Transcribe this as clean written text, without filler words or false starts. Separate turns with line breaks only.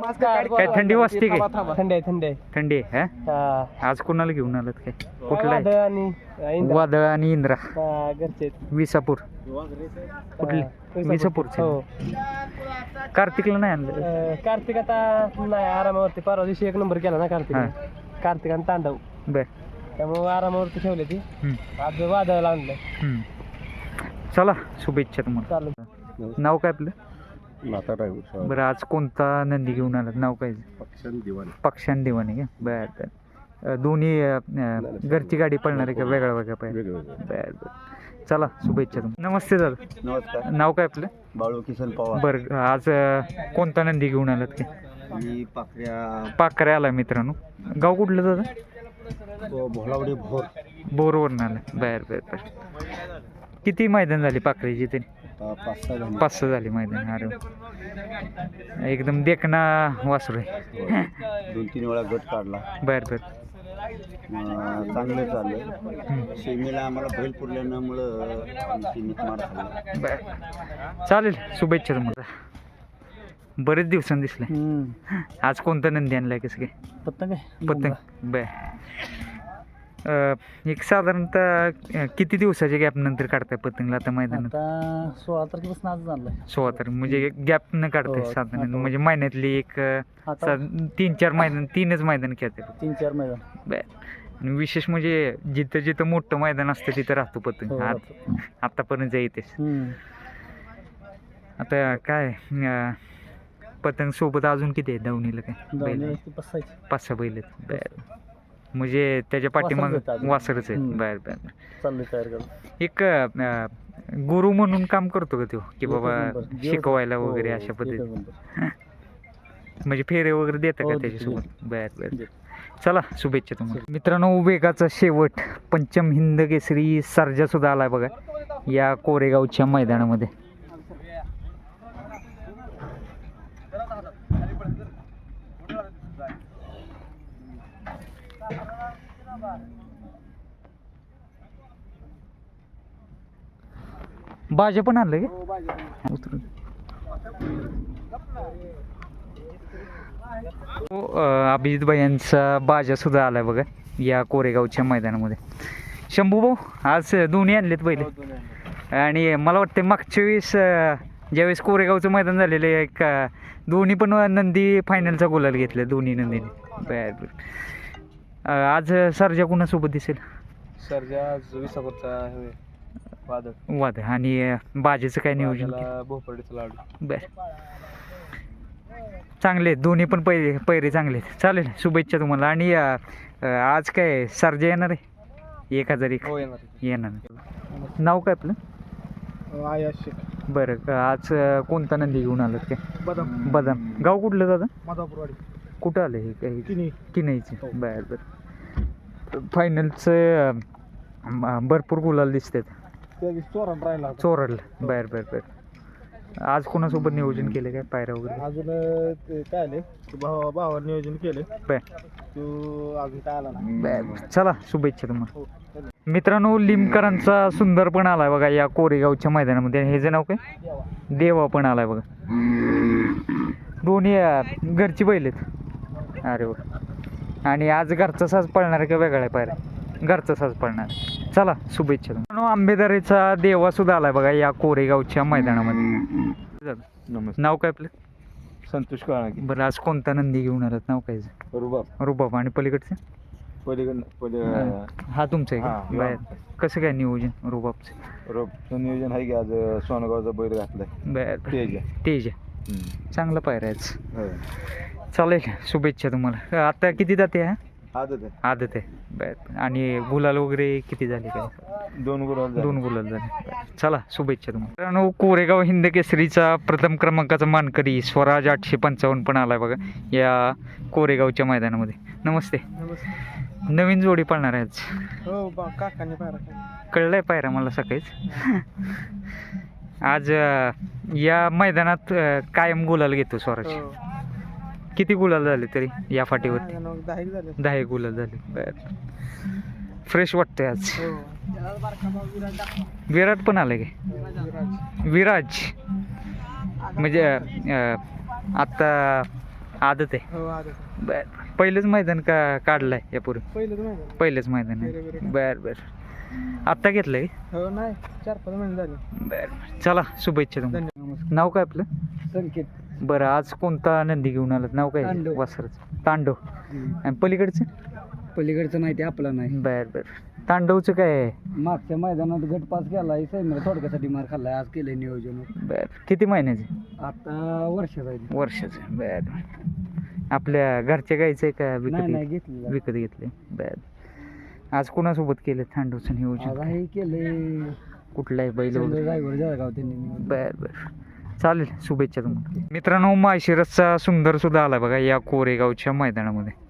काय थंडी वाजते काय?
थंडी आहे थंडी आहे.
थंडी आहे हा? आज कोणाला घेऊन आलात काय? कुठला आहे?
वादळ आणि
वादळ आणि इंद्रा
घरचे
विसापूर. कुठले? विसापूरचे.
हो.
कार्तिकला नाही आणलं?
कार्तिक आता नाही आरामावरती, परवा दिवशी 1 नंबर केला ना कार्तिक. कार्तिक आणि तांडव,
बर.
त्यामुळे आरामावरती ठेवले ती. आज वादळाला आणलं.
चला शुभेच्छा तुम्हाला.
चालू.
नाव काय आपलं?
नाता ड्रायव्हर.
बरं, आज कोणता नंदी घेऊन आलात? नाव काय?
पक्षांत दिवाणी.
पक्षान दिवाणी का? बर बर. दोन्ही घरची गाडी पळणार आहे का वेगळा वेगळा पाहिजे?
वेगवेगळे.
बर बर. चला शुभेच्छा तुम्हाला. नमस्ते दादा.
नमस्कार.
नाव काय आपलं?
बाळू किसन पवार.
बरं, आज कोणता नंदी घेऊन आलात काय?
मी
पाखरे आला मित्रांनो. गाव कुठलं दादा?
भोलावडी भोर.
बोरवरून आलं. बर बर बर. किती मैदान झाली पाखरेची तरी? 5-6 झाली मैदान. अरे वा. एकदम देखना वासरू आहे.
2-3 वेळा गट काढला.
बर बर.
चांगलं चाललं. सेमीला आम्हाला बैल पुरल्यामुळं सीमित मार झाला.
बर, चालेल. शुभेच्छा तुम्हाला. बरेच दिवसांनी दिसले. आज कोणता नंदी आणलाय? कसं काय?
पतंग
पतंग. बर. एक साधारणतः किती दिवसाच्या गॅप नंतर काढताय पतंगला आता मैदानात?
16 तारखेपासून आज आणलाय.
16 तारीख म्हणजे गॅप न काढताय साधारण, म्हणजे महिन्यातली एक 3-4 मैदान, 3च मैदान खेळते.
3-4 मैदान.
बर. आणि विशेष म्हणजे जिथं जिथं मोठं मैदान असतं तिथं राहतो पतंग. आतापर्यंत येतेच. आता काय पतंग सोबत अजून किती आहे दावणीला? काय बैल? 5-6 बैल आहेत. बर. म्हणजे त्याच्या पाठीमाग वासरच आहेत. बर बर. एक गुरु म्हणून काम करतो का तो, की बाबा शिकवायला वगैरे अशा पद्धतीने? म्हणजे फेरे वगैरे देतं का त्याच्यासोबत? बर बर. चला शुभेच्छा तुम्हाला. मित्रांनो, वेगाचा शेवट पंचम हिंद केसरी सर्जा सुद्धा आलाय बघा या कोरेगावच्या मैदानामध्ये. बाजा पण आणलं का? अभिजित भाई यांचा बाजा सुद्धा आलाय बघा या कोरेगावच्या मैदानामध्ये. शंभू भाऊ, आज दोन्ही आणलेत पहिले. आणि मला वाटतं मागच्या वेळेस ज्यावेळेस कोरेगावचं मैदान झालेलं आहे, एक दोन्ही पण नंदी फायनलचा गुलाल घेतला दोन्ही नंदीने. बर बर. आज सर्जा कुणासोबत दिसेल?
सर्जा विसापूरचा
वाद. आणि बाजेचं काय नियोजन?
भोपळीचा लाडू.
बर. चांगले आहेत दोन्ही पण, पैरे चांगले आहेत. चालेल, शुभेच्छा तुम्हाला. आणि आज काय सर्जा येणार आहे? 1001 येणार. नाव काय आपलं? बरं. आज कोणता नंदी घेऊन आलात काय? बदाम. गाव कुठलं दादा?
माधापूरवाडी. कुठं
आलं हे? काही किनईचे. बर बर. फायनलचं भरपूर गुलाल दिसतात. चोरडलं. बर बर बर. आज कोणासोबत नियोजन केलं काय पायऱ्या वगैरे?
अजून काय आले भावावर नियोजन केलं.
बर.
तो अजून काय आला नाही.
बर. चला शुभेच्छा तुम्हाला. मित्रांनो, लिमकरांचा सुंदर पण आलाय बघा या कोरेगावच्या मैदानामध्ये. हे जे नाव काय? देवा पण आलाय बघा. दोन्ही घरची बैल आहेत. अरे वा. आणि आज घरचा साज पळणार आहे का वेगळा आहे पायऱ्या? घरचा साज पळणार. चला शुभेच्छा. आंबेदारीचा देवा सुद्धा आलाय बघा या कोरेगावच्या मैदानामध्ये. नाव काय आपलं?
संतोष काळागी.
बरं, आज कोणता नंदी घेऊन आलात? नाव काय? रुबाब. आणि पलीकडचं? हा तुमचं आहे का? बाहेर. कसं काय नियोजन रुबाबचं?
नियोजन आहे की आज सोनगावचा बैल घातलाय.
बर. तेज. चांगला पायरा आहे. चालेल, शुभेच्छा तुम्हाला. आता किती जाते? आदत आहे. बर. आणि गुलाल वगैरे किती झाले काय?
2
गुलाल झाले. चला शुभेच्छा तुम्हाला. मित्रांनो, कोरेगाव हिंद केसरीचा प्रथम क्रमांकाचा मानकरी स्वराज 855 पण आलाय बघा या कोरेगावच्या मैदानामध्ये. नमस्ते. नवीन जोडी पाळणार आहे आज?
हो, काकांनी पायरा
कळलंय पायरा मला सकाळीच. आज या मैदानात कायम गुलाल घेतो स्वराज. किती गुलाल झाले तरी या फाटीवरती? 10 गुलाल झाले. बर. फ्रेश वाटतंय आज. विराट पण आलाय काय? विराज म्हणजे आता आदत आहे
हो आदत
बर पहिलंच मैदान का काढलंय यापूर्वी
पहिलं तर
पहिलंच मैदान आहे बर बर आत्ता घेतलंय
हो नाही 4-5 महिने झाले.
बर चला शुभेच्छा तुम्हाला नाव काय आपलं
संकेत
बरं आज कोणता नंदी घेऊन आलात नाव काय
तांडव.
वासराचं तांडव आणि पलीकडचं
पलीकडचं नाही ते आपलं नाही.
बर बर तांडवचं काय आहे
मागच्या मैदानात गट पास केला सैन्याला थोडक्यासाठी मार खाल्लाय आज केलंय नियोजन.
बर किती महिन्याचे
आता वर्ष जाईल.
वर्षाचं बर बर आपल्या घरच्या गाईचं आहे का विकत
नाही घेतलं
विकत घेतले बर आज कोणासोबत केलं तांडवचं
आज
नियोजन
आहे केलंय
कुठलाही बैल वगैरे?
ड्रायव्हर जळगाव त्यांनी.
बर बर चालेल शुभेच्छा तुम्हाला मित्रांनो माळशिरसचा सुंदर सुद्धा आला बघा या कोरेगावच्या मैदानामध्ये